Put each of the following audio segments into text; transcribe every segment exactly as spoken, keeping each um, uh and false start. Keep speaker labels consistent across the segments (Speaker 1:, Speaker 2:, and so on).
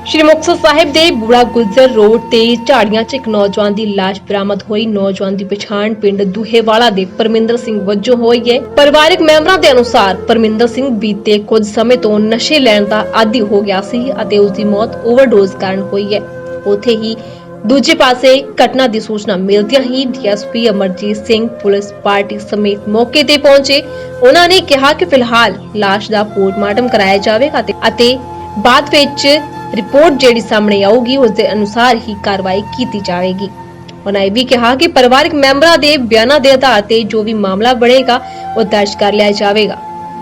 Speaker 1: श्री मुक्तसर साहिब दे बूढ़ा गुजर रोड ते झाड़ियां च एक नौजवान दी लाश बरामद होई। नौजवान दी पछाण पिंड दूहेवाला दे परमिंदर सिंह वजों होई है। परिवारिक मैंबरां दे अनुसार परमिंदर सिंह बीते कुछ समय तो नशे लैण दा आदी हो गया सी अते उस दी मौत ओवरडोज कारण हुई है। उत्थे ही दूजे पासे घटना की सूचना मिलदियां ही DSP Amarjeet Singh police party समेत मौके ते पहुंचे। उन्होंने कहा कि फिलहाल लाश दा पोस्टमार्टम कराया जाएगा अते बाद विच रिपोर्ट जेड़ी सामने आऊगी उसके अनुसार ही कार्रवाई की जाएगी। उन्होंने यह भी कहा कि परिवारिक मैंबरों के बयानों के आधार पर जो भी मामला बनेगा वो दर्ज कर लिया जाएगा।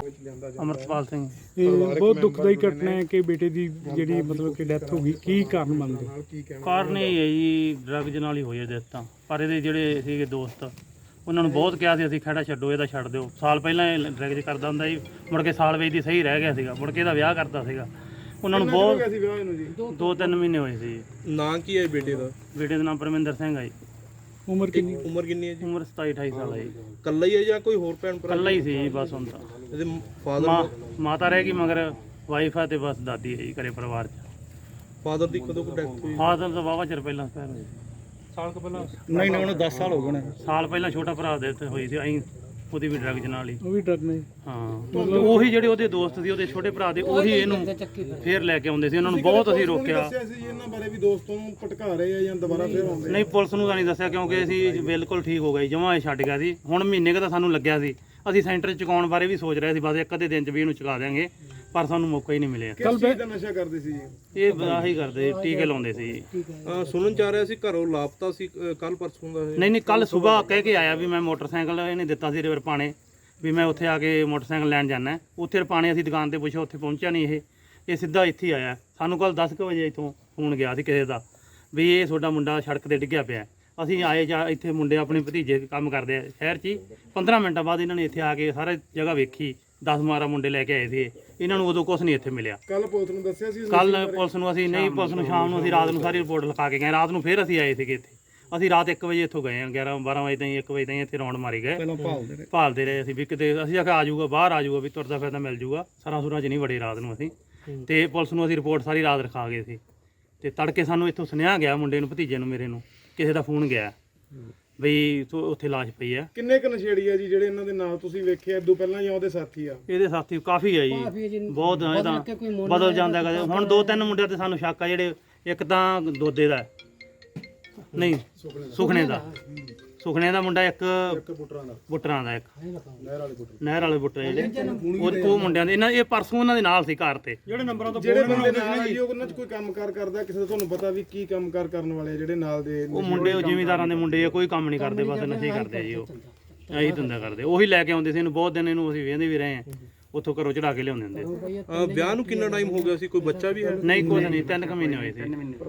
Speaker 2: अमृतपाल सिंह
Speaker 3: बहुत दुखदाई घटना है कि बेटे की जी मतलब कि डेथ हो गई की कारण मनते
Speaker 2: ਕਾਰਨ ਇਹ ਹੈ ਜੀ ਡਰੱਗਜ਼ ਨਾਲ ਹੀ ਹੋਈ ਹੈ ਡੈਥ ਤਾਂ। ਪਰ ਇਹਦੇ ਜਿਹੜੇ ਸੀਗੇ ਦੋਸਤ ਉਹਨਾਂ ਨੂੰ ਬਹੁਤ ਕਿਹਾ ਸੀ ਅਸੀਂ ਖੜਾ ਛੱਡੋ ਇਹਦਾ ਛੱਡ ਦਿਓ। ਸਾਲ ਪਹਿਲਾਂ ਇਹ ਡਰੱਗਜ਼ ਕਰਦਾ ਹੁੰਦਾ ਜੀ, ਮੁੜ ਕੇ ਸਾਲ ਵੇਚਦੀ ਸਹੀ ਰਹਿ ਗਿਆ ਸੀਗਾ, ਮੁੜ ਕੇ ਇਹਦਾ ਵਿਆਹ ਕਰਤਾ ਸੀਗਾ। ਉਹਨਾਂ ਨੂੰ ਬਹੁਤ ਦੋ ਤਿੰਨ ਮਹੀਨੇ ਹੋਏ ਸੀ।
Speaker 4: ਨਾਂ ਕੀ ਹੈ ਬੇਟੇ ਦਾ?
Speaker 2: ਬੇਟੇ ਦਾ ਨਾਮ ਪਰਮਿੰਦਰ ਸਿੰਘ ਹੈ ਜੀ।
Speaker 3: ਉਮਰ ਕਿੰਨੀ
Speaker 4: ਉਮਰ ਕਿੰਨੀ ਹੈ ਜੀ?
Speaker 2: ਉਮਰ ਸਤਾਈ ਅਠਾਈ ਸਾਲ ਹੈ ਜੀ।
Speaker 4: ਕੱਲਾ ਹੀ ਹੈ ਜਾਂ ਕੋਈ ਹੋਰ ਭੈਣ ਭਰਾ?
Speaker 2: ਇਕੱਲਾ ਹੀ ਸੀ ਜੀ ਬਸ ਹੁਣ ਤਾਂ।
Speaker 4: ਇਹਦੇ ਫਾਦਰ
Speaker 2: ਮਾਂ ਮਾਤਾ ਰਹਿ ਗਈ ਮਗਰ ਵਾਈਫ ਆ ਤੇ ਬਸ ਦਾਦੀ ਹੈ ਜੀ ਘਰੇ ਪਰਿਵਾਰ 'ਚ।
Speaker 4: ਫਾਦਰ ਦੀ ਕਦੋਂ ਕੋ ਡੈਥ ਹੋਈ?
Speaker 2: ਫਾਦਰ ਤਾਂ ਵਾਹਵਾ ਚਿਰ ਪਹਿਲਾਂ ਪਹਿਲਾਂ ਸਾਲ ਕੁ ਪਹਿਲਾਂ
Speaker 3: ਨਹੀਂ ਨਹੀਂ ਉਹਨੂੰ ਦਸ ਸਾਲ ਹੋ ਗਏ ਨੇ।
Speaker 2: ਸਾਲ ਪਹਿਲਾਂ ਛੋਟਾ ਭਰਾ ਦੇ ਉੱਤੇ ਹੋਈ ਸੀ ਅਸੀਂ ਉਹਦੀ ਵੀ ਡਰੱਗਜ਼ ਨਾਲ ਹੀ।
Speaker 3: ਉਹ ਵੀ ਡਰਗ ਨੇ।
Speaker 2: ਹਾਂ ਉਹੀ ਜਿਹੜੇ ਉਹਦੇ ਦੋਸਤ ਸੀ ਉਹਦੇ ਛੋਟੇ ਭਰਾ ਦੇ ਉਹੀ ਇਹਨੂੰ ਫੇਰ ਲੈ ਕੇ ਆਉਂਦੇ ਸੀ। ਉਹਨਾਂ ਨੂੰ ਬਹੁਤ ਅਸੀਂ ਰੋਕਿਆ।
Speaker 4: ਇਹਨਾਂ ਬਾਰੇ ਵੀ ਦੋਸਤ ਨੂੰ ਭਟਕਾ ਰਹੇ ਆ ਜਾਂ ਦੁਬਾਰਾ ਫੇਰ ਆਉਂਦੇ?
Speaker 2: ਨਹੀਂ ਪੁਲਿਸ ਨੂੰ ਤਾਂ ਨਹੀਂ ਦੱਸਿਆ ਕਿਉਂਕਿ ਅਸੀਂ ਬਿਲਕੁਲ ਠੀਕ ਹੋ ਗਏ, ਜਮਾਂ ਇਹ ਛੱਡ ਗਿਆ ਸੀ। ਹੁਣ ਮਹੀਨੇ ਕੁ ਤਾਂ ਸਾਨੂੰ ਲੱਗਿਆ ਸੀ, ਅਸੀਂ ਸੈਂਟਰ 'ਚ ਚੁਕਾਉਣ ਬਾਰੇ ਵੀ ਸੋਚ ਰਹੇ ਸੀ, ਬਸ ਇੱਕ ਅੱਧੇ ਦਿਨ 'ਚ ਵੀ ਇਹਨੂੰ ਚੁਕਾ ਦਿਆਂਗੇ, ਪਰ ਸਾਨੂੰ ਮੌਕਾ ਹੀ ਨਹੀਂ ਮਿਲਿਆ।
Speaker 4: ਕਿਸ ਚੀਜ਼ ਦਾ ਨਸ਼ਾ ਕਰਦੇ ਸੀ ਜੀ
Speaker 2: ਇਹ ਆਹੀ ਕਰਦੇ ਟੀਕੇ ਲਾਉਂਦੇ ਸੀ।
Speaker 4: ਇਹ ਸੁਣਨ ਚ ਆ ਰਿਹਾ ਸੀ ਘਰੋਂ ਲਾਪਤਾ ਸੀ ਕੱਲ ਪਰਸੋਂ ਦਾ ਇਹ।
Speaker 2: ਨਹੀਂ ਨਹੀਂ ਕੱਲ ਸਵੇਰ ਕਹਿ ਕੇ ਆਇਆ ਵੀ ਮੈਂ ਮੋਟਰਸਾਈਕਲ ਇਹਨੇ ਦਿੱਤਾ ਸੀ ਰਿਵਰ ਪਾਣੇ ਵੀ ਮੈਂ ਉੱਥੇ ਆ ਕੇ ਮੋਟਰਸਾਈਕਲ ਲੈਣ ਜਾਣਾ। ਉੱਥੇ ਰਪਾਣੇ ਅਸੀਂ ਦੁਕਾਨ ਤੇ ਪੁੱਛਿਆ, ਉੱਥੇ ਪਹੁੰਚਿਆ ਨਹੀਂ ਇਹ ਇਹ ਸਿੱਧਾ ਇੱਥੇ ਹੀ ਆਇਆ। ਸਾਨੂੰ ਕੱਲ ਦਸ ਕੁ ਵਜੇ ਇੱਥੋਂ ਫੋਨ ਗਿਆ ਸੀ ਕਿਸੇ ਦਾ ਵੀ ਇਹ ਤੁਹਾਡਾ ਮੁੰਡਾ ਸੜਕ ਤੇ ਡਿੱਗਿਆ ਪਿਆ। ਅਸੀਂ ਆਏ ਜਾਂ ਇੱਥੇ ਮੁੰਡੇ ਆਪਣੇ ਭਤੀਜੇ ਕੰਮ ਕਰਦੇ ਆ ਸ਼ਹਿਰ 'ਚ ਹੀ। ਪੰਦਰਾਂ ਮਿੰਟਾਂ ਬਾਅਦ ਇਹਨਾਂ ਨੇ ਇੱਥੇ ਆ ਕੇ ਸਾਰਾ ਜਗ੍ਹਾ ਵੇਖੀ, ਦਸ ਬਾਰਾਂ ਮੁੰਡੇ ਲੈ ਕੇ ਆਏ ਸੀ। ਇਹਨਾਂ ਨੂੰ ਉਦੋਂ ਕੁਝ ਨਹੀਂ ਇੱਥੇ ਮਿਲਿਆ।
Speaker 4: ਕੱਲ ਪੁਲਿਸ ਨੂੰ ਦੱਸਿਆ ਸੀ?
Speaker 2: ਕੱਲ ਪੁਲਿਸ ਨੂੰ ਅਸੀਂ ਨਹੀਂ, ਪੁਲਿਸ ਨੂੰ ਸ਼ਾਮ ਨੂੰ ਅਸੀਂ ਰਾਤ ਨੂੰ ਸਾਰੀ ਰਿਪੋਰਟ ਲਿਖਾ ਕੇ ਗਏ। ਰਾਤ ਨੂੰ ਫਿਰ ਅਸੀਂ ਆਏ ਸੀਗੇ ਇੱਥੇ। ਅਸੀਂ ਰਾਤ ਇੱਕ ਵਜੇ ਇੱਥੋਂ ਗਏ ਹਾਂ, ਗਿਆਰਾਂ ਬਾਰਾਂ ਵਜੇ ਤਾਈਂ ਇੱਕ ਵਜੇ ਤਾਈਂ ਇੱਥੇ ਰੌਂਡ ਮਾਰੀ ਗਏ, ਭਾਲਦੇ ਰਹੇ ਅਸੀਂ ਵੀ ਕਿਤੇ ਅਸੀਂ ਆਖਿਆ ਆ ਜਾਊਗਾ, ਬਾਹਰ ਆ ਜਾਊਗਾ, ਵੀ ਤੁਰਦਾ ਫਿਰਦਾ ਮਿਲ ਜਾਊਗਾ। ਸਰਾਂ ਸੁਰਾਂ 'ਚ ਨਹੀਂ ਵੜੇ ਰਾਤ ਨੂੰ ਅਸੀਂ। ਤੇ ਪੁਲਿਸ ਨੂੰ ਅਸੀਂ ਰਿਪੋਰਟ ਸਾਰੀ ਰਾਤ ਲਿਖਾ ਗਏ ਸੀ। ਤੇ ਤੜਕੇ ਸਾਨੂੰ ਇੱਥੋਂ ਸੁਨੇਹਾ ਗਿਆ ਮੁੰਡੇ ਨੂੰ, ਭਤੀਜੇ ਨੂੰ ਮੇਰੇ ਨੂੰ, ਕਿਸੇ ਦਾ ਫੋਨ ਗਿਆ ਬਈ ਉੱਥੇ ਲਾਸ਼ ਪਈ ਆ।
Speaker 4: ਕਿੰਨੇ ਕੁ ਨਸ਼ੇੜੀ ਆ ਜੀ ਜਿਹੜੇ ਇਹਨਾਂ ਦੇ ਨਾਲ ਤੁਸੀਂ ਵੇਖਿਆ ਇਦੋਂ ਪਹਿਲਾਂ ਜਾਂ ਉਹਦੇ ਸਾਥੀ ਆ?
Speaker 2: ਇਹਦੇ ਸਾਥੀ ਕਾਫੀ ਆ ਜੀ, ਬਹੁਤ ਇਹ ਤਾਂ ਬਦਲ ਜਾਂਦਾ ਕਦੇ। ਹੁਣ ਦੋ ਤਿੰਨ ਮੁੰਡਿਆਂ ਤੇ ਸਾਨੂੰ ਸ਼ੱਕ ਆ, ਜਿਹੜੇ ਇੱਕ ਤਾਂ ਦੋਦੇ ਦਾ ਨਹੀਂ ਸੁਖਣੇ ਦਾ ਸੁਖਣੇ ਦਾ ਮੁੰਡਾ, ਇੱਕ ਬੁੱਟਰਾਂ ਦਾ, ਇੱਕ ਨਹਿਰ ਵਾਲੇ ਬੁੱਟਰ ਜਿਹੜੇ ਉਹ ਉਹ ਮੁੰਡਿਆਂ ਦੇ। ਇਹਨਾਂ ਇਹ ਪਰਸੋਂ ਉਹਨਾਂ ਦੇ ਨਾਲ ਸੀ ਘਰ ਤੇ। ਜਿਹੜੇ ਨੰਬਰਾਂ ਤੋਂ
Speaker 4: ਜਿਹੜੇ ਬੰਦੇ ਨਾਲ ਜੀ ਉਹਨਾਂ 'ਚ ਕੋਈ ਕੰਮਕਾਰ ਕਰਦਾ ਕਿਸੇ ਦਾ ਤੁਹਾਨੂੰ ਪਤਾ ਵੀ ਕੀ ਕੰਮਕਾਰ ਕਰਨ ਵਾਲੇ ਜਿਹੜੇ ਨਾਲ ਦੇ?
Speaker 2: ਉਹ ਮੁੰਡੇ ਉਹ ਜ਼ਿਮੀਂਦਾਰਾਂ ਦੇ ਮੁੰਡੇ ਆ, ਕੋਈ ਕੰਮ ਨਹੀਂ ਕਰਦੇ, ਬਸ ਨਸ਼ੇ ਕਰਦੇ ਆ ਜੀ। ਉਹ ਇਹੀ ਧੰਦਾ ਕਰਦੇ, ਉਹੀ ਲੈ ਕੇ ਆਉਂਦੇ ਸੀ ਇਹਨੂੰ। ਬਹੁਤ ਦਿਨ ਇਹਨੂੰ ਅਸੀਂ ਵੇਖਦੇ ਵੀ ਰਹੇ ਆ, ਉੱਥੋਂ ਘਰੋਂ ਚੜਾ ਕੇ ਲਿਆਉਂਦੇ ਹੁੰਦੇ ਸੀ।
Speaker 4: ਵਿਆਹ ਨੂੰ ਕਿੰਨਾ ਟਾਈਮ ਹੋ ਗਿਆ ਸੀ? ਕੋਈ ਬੱਚਾ ਵੀ ਹੈ?
Speaker 2: ਨਹੀਂ ਕੁਝ ਨਹੀਂ, ਤਿੰਨ ਕੁ ਮਹੀਨੇ ਹੋਏ ਸੀ।
Speaker 4: ਕੀ ਨਾਮ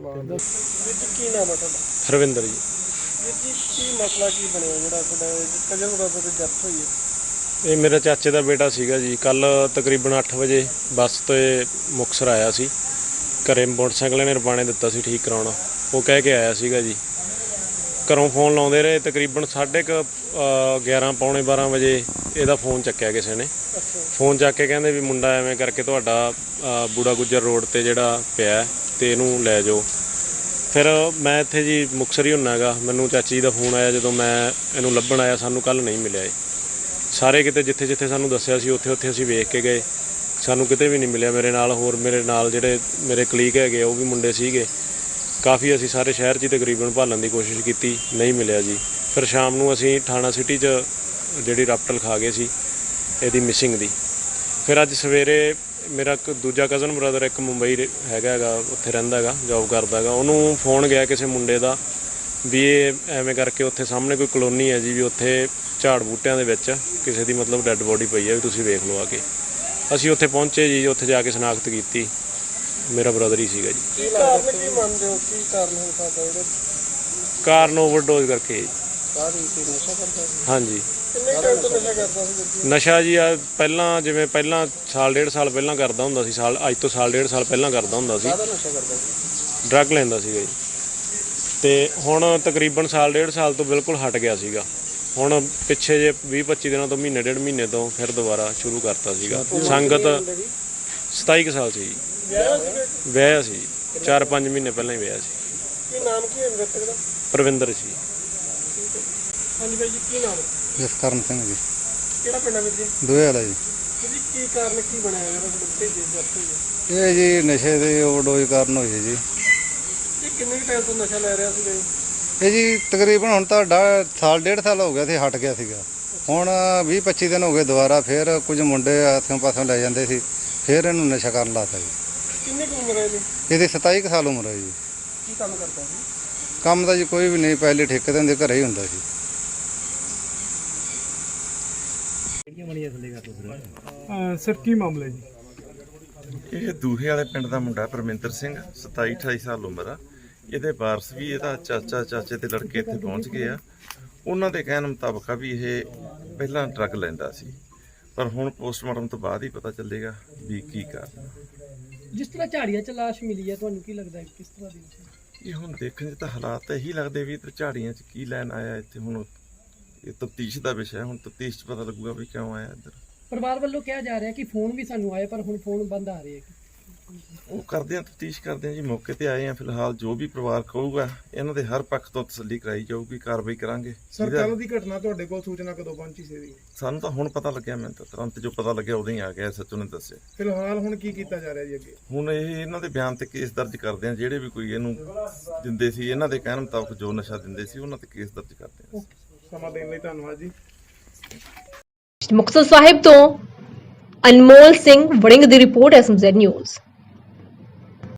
Speaker 4: ਹੈ ਤੁਹਾਡਾ?
Speaker 5: ਹਰਵਿੰਦਰ ਜੀ।
Speaker 4: ਕੀ ਮਸਲਾ ਕੀ ਬਣਿਆ ਜਿਹੜਾ ਤੁਹਾਡਾ ਕਜਨ ਬ੍ਰਦਰ ਦੀ ਡੈਥ ਹੋਈ ਹੈ?
Speaker 5: ਇਹ ਮੇਰੇ ਚਾਚੇ ਦਾ ਬੇਟਾ ਸੀਗਾ ਜੀ। ਕੱਲ ਤਕਰੀਬਨ ਅੱਠ ਵਜੇ ਬੱਸ ਤੋਂ ਮੁਕਤਸਰ ਆਇਆ ਸੀ। ਘਰੇ ਮੋਟਰਸਾਈਕਲ ਇਹਨੇ ਰਪਾਣੇ ਦਿੱਤਾ ਸੀ ਠੀਕ ਕਰਾਉਣਾ, ਉਹ ਕਹਿ ਕੇ ਆਇਆ ਸੀਗਾ ਜੀ। ਘਰੋਂ ਫੋਨ ਲਾਉਂਦੇ ਰਹੇ, ਤਕਰੀਬਨ ਸਾਢੇ ਕੁ ਗਿਆਰਾਂ ਪੌਣੇ ਬਾਰਾਂ ਵਜੇ ਇਹਦਾ ਫੋਨ ਚੱਕਿਆ ਕਿਸੇ ਨੇ। ਫੋਨ ਚੱਕ ਕੇ ਕਹਿੰਦੇ ਵੀ ਮੁੰਡਾ ਐਵੇਂ ਕਰਕੇ ਤੁਹਾਡਾ ਬੂੜਾ ਗੁੱਜਰ ਰੋਡ 'ਤੇ ਜਿਹੜਾ ਪਿਆ ਅਤੇ ਇਹਨੂੰ ਲੈ ਜਾਓ। ਫਿਰ ਮੈਂ ਇੱਥੇ ਜੀ ਮੁਕਤਸਰ ਹੀ ਹੁੰਦਾ ਹੈਗਾ। ਮੈਨੂੰ ਚਾਚੀ ਜੀ ਦਾ ਫੋਨ ਆਇਆ ਜਦੋਂ ਮੈਂ ਇਹਨੂੰ ਲੱਭਣ ਆਇਆ। ਸਾਨੂੰ ਕੱਲ੍ਹ ਨਹੀਂ ਮਿਲਿਆ ਇਹ। ਸਾਰੇ ਕਿਤੇ ਜਿੱਥੇ ਜਿੱਥੇ ਸਾਨੂੰ ਦੱਸਿਆ ਸੀ ਉੱਥੇ ਉੱਥੇ ਅਸੀਂ ਵੇਖ ਕੇ ਗਏ, ਸਾਨੂੰ ਕਿਤੇ ਵੀ ਨਹੀਂ ਮਿਲਿਆ। ਮੇਰੇ ਨਾਲ ਹੋਰ ਮੇਰੇ ਨਾਲ ਜਿਹੜੇ ਮੇਰੇ ਕਲੀਗ ਹੈਗੇ ਉਹ ਵੀ ਮੁੰਡੇ ਸੀਗੇ ਕਾਫੀ, ਅਸੀਂ ਸਾਰੇ ਸ਼ਹਿਰ 'ਚ ਹੀ ਤਕਰੀਬਨ ਭਾਲਣ ਦੀ ਕੋਸ਼ਿਸ਼ ਕੀਤੀ, ਨਹੀਂ ਮਿਲਿਆ ਜੀ। ਫਿਰ ਸ਼ਾਮ ਨੂੰ ਅਸੀਂ ਥਾਣਾ ਸਿਟੀ 'ਚ ਜਿਹੜੀ ਰਾਪਟ ਲਿਖਾ ਗਏ ਸੀ ਇਹਦੀ ਮਿਸਿੰਗ ਦੀ। ਫਿਰ ਅੱਜ ਸਵੇਰੇ ਮੇਰਾ ਇੱਕ ਦੂਜਾ ਕਜ਼ਨ ਬ੍ਰਦਰ ਇੱਕ ਮੁੰਬਈ ਹੈਗਾ ਹੈਗਾ, ਉੱਥੇ ਰਹਿੰਦਾ ਹੈਗਾ, ਜੋਬ ਕਰਦਾ ਹੈਗਾ। ਉਹਨੂੰ ਫੋਨ ਗਿਆ ਕਿਸੇ ਮੁੰਡੇ ਦਾ ਵੀ ਇਹ ਐਵੇਂ ਕਰਕੇ ਉੱਥੇ ਸਾਹਮਣੇ ਕੋਈ ਕਲੋਨੀ ਹੈ ਜੀ, ਵੀ ਉੱਥੇ ਝਾੜ ਬੂਟਿਆਂ ਦੇ ਵਿੱਚ ਕਿਸੇ ਦੀ ਮਤਲਬ ਡੈੱਡ ਬੋਡੀ ਪਈ ਹੈ, ਵੀ ਤੁਸੀਂ ਵੇਖ ਲਓ ਆ ਕੇ। ਅਸੀਂ ਉੱਥੇ ਪਹੁੰਚੇ ਜੀ, ਉੱਥੇ ਜਾ ਕੇ ਸ਼ਨਾਖਤ ਕੀਤੀ, ਮੇਰਾ ਬ੍ਰਦਰ ਹੀ ਸੀਗਾ ਜੀ।
Speaker 4: ਕੀ ਕਾਰਨ ਕੀ ਮੰਨਦੇ ਹੋ? ਕੀ ਕਾਰਨ ਹੋ ਸਕਦਾ ਇਹਦਾ?
Speaker 5: ਕਾਰਨ ਓਵਰਡੋਜ਼ ਕਰਕੇ।
Speaker 4: ਕਾਰਨ ਕੀ ਨਸ਼ਾ ਕਰਦਾ ਸੀ?
Speaker 5: ਹਾਂਜੀ।
Speaker 4: ਕਿੰਨੇ ਟਾਈਮ ਤੋਂ ਨਸ਼ਾ ਕਰਦਾ ਸੀ?
Speaker 5: ਨਸ਼ਾ ਜੀ ਆ ਪਹਿਲਾਂ ਜਿਵੇਂ ਪਹਿਲਾਂ ਸਾਲ ਡੇਢ ਸਾਲ ਪਹਿਲਾਂ ਕਰਦਾ ਹੁੰਦਾ ਸੀ, ਸਾਲ ਅੱਜ ਤੋਂ ਸਾਲ ਡੇਢ ਸਾਲ ਪਹਿਲਾਂ ਕਰਦਾ ਹੁੰਦਾ ਸੀ।
Speaker 4: ਕਾਹਦਾ ਨਸ਼ਾ ਕਰਦਾ ਸੀ?
Speaker 5: ਡਰੱਗ ਲੈਂਦਾ ਸੀਗਾ ਜੀ। ਤੇ ਹੁਣ ਤਕਰੀਬਨ ਸਾਲ ਡੇਢ ਸਾਲ ਤੋਂ ਬਿਲਕੁਲ ਹਟ ਗਿਆ ਸੀਗਾ। ਹੁਣ ਪਿੱਛੇ ਜੇ ਵੀਹ ਪੱਚੀ ਦਿਨਾਂ ਤੋਂ ਮਹੀਨੇ ਡੇਢ ਮਹੀਨੇ ਤੋਂ ਫਿਰ ਦੁਬਾਰਾ ਸ਼ੁਰੂ ਕਰਤਾ ਸੀਗਾ। ਸੰਗਤ ਸਤਾਈ ਕੁ ਸਾਲ ਸੀ ਜੀ। ਵਿਆਹਿਆ ਸੀ। ਚਾਰ ਪੰਜ ਮਹੀਨੇ ਪਹਿਲਾਂ ਹੀ ਵਿਆਹ ਸੀ।
Speaker 4: ਕੀ ਨਾਮ ਕੀ ਹੈ ਮ੍ਰਿਤਕ ਦਾ?
Speaker 5: ਪ੍ਰਵਿੰਦਰ ਸੀ।
Speaker 4: ਹਾਂਜੀ ਬਾਈ ਜੀ, ਕੀ ਨਾਮ ਹੈ?
Speaker 6: ਜਸਕਰਨ ਸਿੰਘ ਜੀ,
Speaker 4: ਕਿਹੜਾ ਪਿੰਡ ਹੈ ਵੀਰ ਜੀ?
Speaker 6: ਦੋਹੇ ਵਾਲਾ ਜੀ।
Speaker 4: ਜੀ ਕੀ ਕਾਰਨ ਕੀ ਬਣਿਆ ਜਿਹੜਾ ਬੱਚੇ ਦੀ ਡੈਥ ਹੋਈ ਹੈ?
Speaker 6: ਇਹ ਜੀ ਨਸ਼ੇ ਦੇ ਓਵਰਡੋਜ਼ ਕਾਰਨ ਹੋਈ ਹੈ ਜੀ।
Speaker 4: ਇਹ ਕਿੰਨੇ ਟਾਈਮ ਤੋਂ ਨਸ਼ਾ ਲੈ ਰਿਹਾ ਸੀਗਾ ਜੀ?
Speaker 6: ਇਹ ਜੀ ਤਕਰੀਬਨ ਹੁਣ ਤਾਂ ਡਾ- ਸਾਲ ਡੇਢ ਸਾਲ ਹੋ ਗਿਆ ਸੀ, ਹਟ ਗਿਆ ਸੀਗਾ। ਹੁਣ ਵੀਹ ਪੱਚੀ ਦਿਨ ਹੋ ਗਏ ਦੁਬਾਰਾ ਫਿਰ ਕੁਝ ਮੁੰਡੇ ਆਸਿਓਂ ਪਾਸਿਓਂ ਲੈ ਜਾਂਦੇ ਸੀ, ਫਿਰ ਇਹਨੂੰ ਨਸ਼ਾ ਕਰਨ ਲਾਤਾ ਜੀ।
Speaker 4: ਕਿੰਨੀ ਕੁ ਉਮਰ ਹੈ ਇਹਦੀ?
Speaker 6: ਇਹਦੀ ਸਤਾਈ ਕੁ ਸਾਲ ਉਮਰ ਹੈ ਜੀ।
Speaker 4: ਕੀ ਕੰਮ ਕਰਦਾ ਸੀ?
Speaker 6: ਕੰਮ ਤਾਂ ਜੀ ਕੋਈ ਵੀ ਨਹੀਂ, ਪਹਿਲੇ ਠੇਕੇ ਤੇ ਹੁੰਦੇ, ਘਰੇ ਹੀ ਹੁੰਦਾ ਸੀ।
Speaker 3: ਅਹ ਸਰ ਕੀ ਮਾਮਲਾ ਹੈ ਜੀ?
Speaker 7: ਇਹ ਦੂਹੇ ਵਾਲੇ ਪਿੰਡ ਦਾ ਮੁੰਡਾ ਪਰਮਿੰਦਰ ਸਿੰਘ, ਸਤਾਈ ਅਠਾਈ ਸਾਲ ਉਮਰ ਆ। ਇਹਦੇ ਵਾਰਸ ਵੀ ਇਹਦਾ ਚਾਚਾ ਚਾਚੇ ਤੇ ਲੜਕੇ ਇੱਥੇ ਪਹੁੰਚ ਗਏ ਆ। ਉਹਨਾਂ ਦੇ ਕਹਿਣ ਮੁਤਾਬਕ ਆ ਵੀ ਇਹ ਪਹਿਲਾਂ ਡਰੱਗ ਲੈਂਦਾ ਸੀ, ਪਰ ਹੁਣ ਪੋਸਟਮਾਰਟਮ ਤੋਂ ਬਾਅਦ ਹੀ ਪਤਾ ਚੱਲੇਗਾ ਵੀ ਕੀ ਕਾਰਨ।
Speaker 8: ਜਿਸ ਤਰ੍ਹਾਂ ਝਾੜੀਆਂ ਚ ਲਾਸ਼ ਮਿਲੀ ਹੈ, ਤੁਹਾਨੂੰ ਕੀ ਲੱਗਦਾ ਹੈ ਕਿਸ ਤਰ੍ਹਾਂ ਦੀ ਸੀ?
Speaker 7: ਇਹ ਹੁਣ ਦੇਖਣ 'ਚ ਤਾਂ ਹਾਲਾਤ ਤਾਂ ਇਹੀ ਲੱਗਦੇ ਵੀ ਇੱਧਰ ਝਾੜੀਆਂ 'ਚ ਕੀ ਲੈਣ ਆਇਆ ਇੱਥੇ। ਹੁਣ ਇਹ ਤਫਤੀਸ਼ ਦਾ ਵਿਸ਼ਾ, ਹੁਣ ਤਫਤੀਸ਼ 'ਚ ਪਤਾ ਲੱਗੂਗਾ ਵੀ ਕਿਉਂ ਆਇਆ ਇੱਧਰ।
Speaker 8: ਪਰਿਵਾਰ ਵੱਲੋਂ ਕਿਹਾ ਜਾ ਰਿਹਾ ਕਿ ਫੋਨ ਵੀ ਸਾਨੂੰ ਆਏ, ਪਰ ਹੁਣ ਫੋਨ ਬੰਦ ਆ ਰਹੇ ਹੈ।
Speaker 7: ਉਹ ਕਰਦੇ ਆ, ਤਫਤੀਸ਼ ਕਰਦੇ ਆ ਜੀ, ਮੌਕੇ ਤੇ ਆਏ ਆ। ਫਿਲਹਾਲ ਜੋ ਵੀ ਪਰਿਵਾਰ ਕਹੂਗਾ ਇਹਨਾਂ ਦੇ ਹਰ ਪੱਖ ਤੋਂ ਤਸੱਲੀ ਕਰਾਈ ਜਾਊਗੀ, ਕਾਰਵਾਈ ਕਰਾਂਗੇ।
Speaker 4: ਸਰ, ਕੱਲ ਦੀ ਘਟਨਾ ਤੁਹਾਡੇ ਕੋਲ ਸੂਚਨਾ ਕਦੋਂ ਪਹੁੰਚੀ ਸੀ ਇਹਦੀ?
Speaker 7: ਸਾਨੂੰ ਤਾਂ ਹੁਣ ਪਤਾ ਲੱਗਿਆ, ਮੈਨੂੰ ਤਾਂ ਤੁਰੰਤ ਜੋ ਪਤਾ ਲੱਗਿਆ ਉਦੋਂ ਹੀ ਆ ਗਿਆ, ਸੱਚੋ ਨੇ ਦੱਸਿਆ।
Speaker 4: ਫਿਲਹਾਲ ਹੁਣ ਕੀ ਕੀਤਾ ਜਾ ਰਿਹਾ ਜੀ ਅੱਗੇ?
Speaker 7: ਹੁਣ ਇਹ ਇਹਨਾਂ ਦੇ ਬਿਆਨ ਤੇ ਕੇਸ ਦਰਜ ਕਰਦੇ ਆ। ਜਿਹੜੇ ਵੀ ਕੋਈ ਇਹਨੂੰ ਦਿੰਦੇ ਸੀ, ਇਹਨਾਂ ਦੇ ਕਹਿਣ ਮੁਤਾਬਕ ਜੋ ਨਸ਼ਾ ਦਿੰਦੇ ਸੀ, ਉਹਨਾਂ ਤੇ ਕੇਸ ਦਰਜ ਕਰਦੇ ਆ।
Speaker 4: ਸਮਾਂ ਦੇਣ ਲਈ ਧੰਨਵਾਦ ਜੀ।
Speaker 1: ਮੁਕਤਸਰ ਸਾਹਿਬ ਤੋਂ ਅਨਮੋਲ ਸਿੰਘ ਵੜਿੰਗ ਦੀ report S M Z news.